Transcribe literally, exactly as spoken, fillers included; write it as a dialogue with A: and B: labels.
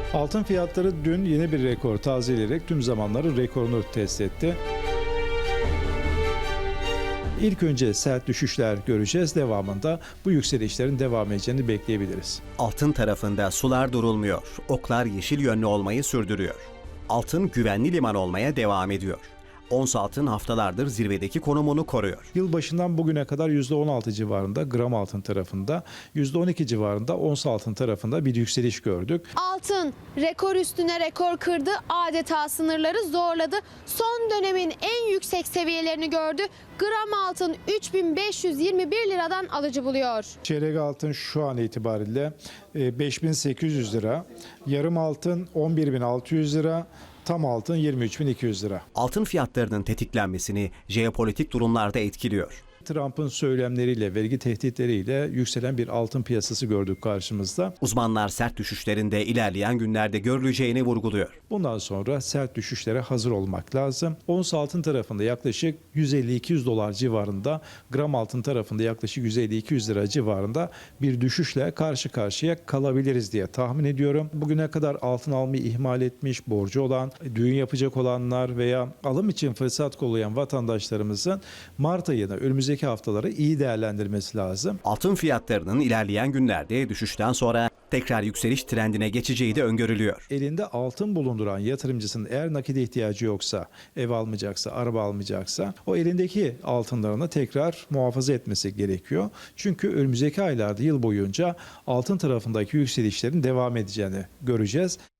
A: Altın fiyatları dün yeni bir rekor tazeleyerek tüm zamanların rekorunu test etti. İlk önce sert düşüşler göreceğiz. Devamında bu yükselişlerin devam edeceğini bekleyebiliriz.
B: Altın tarafında sular durulmuyor. Oklar yeşil yönlü olmayı sürdürüyor. Altın güvenli liman olmaya devam ediyor. Ons altın haftalardır zirvedeki konumunu koruyor.
A: Yılbaşından bugüne kadar yüzde on altı civarında gram altın tarafında, yüzde on iki civarında ons altın tarafında bir yükseliş gördük.
C: Altın rekor üstüne rekor kırdı, adeta sınırları zorladı. Son dönemin en yüksek seviyelerini gördü. Gram altın üç bin beş yüz yirmi bir liradan alıcı buluyor.
A: Çeyrek altın şu an itibariyle beş bin sekiz yüz lira, yarım altın on bir bin altı yüz lira, tam altın yirmi üç bin iki yüz lira.
B: Altın fiyatlarının tetiklenmesini jeopolitik durumlarda etkiliyor.
A: Trump'ın söylemleriyle, vergi tehditleriyle yükselen bir altın piyasası gördük karşımızda.
B: Uzmanlar sert düşüşlerin de ilerleyen günlerde görüleceğini vurguluyor.
A: Bundan sonra sert düşüşlere hazır olmak lazım. Ons altın tarafında yaklaşık yüz elli iki yüz dolar civarında, gram altın tarafında yaklaşık yüz elli iki yüz lira civarında bir düşüşle karşı karşıya kalabiliriz diye tahmin ediyorum. Bugüne kadar altın almayı ihmal etmiş, borcu olan, düğün yapacak olanlar veya alım için fırsat kollayan vatandaşlarımızın Mart ayını, önümüzdeki haftaları iyi değerlendirmesi lazım.
B: Altın fiyatlarının ilerleyen günlerde düşüşten sonra tekrar yükseliş trendine geçeceği de öngörülüyor.
A: Elinde altın bulunduran yatırımcısının eğer nakide ihtiyacı yoksa, ev almayacaksa, araba almayacaksa o elindeki altınlarını tekrar muhafaza etmesi gerekiyor. Çünkü önümüzdeki aylarda yıl boyunca altın tarafındaki yükselişlerin devam edeceğini göreceğiz.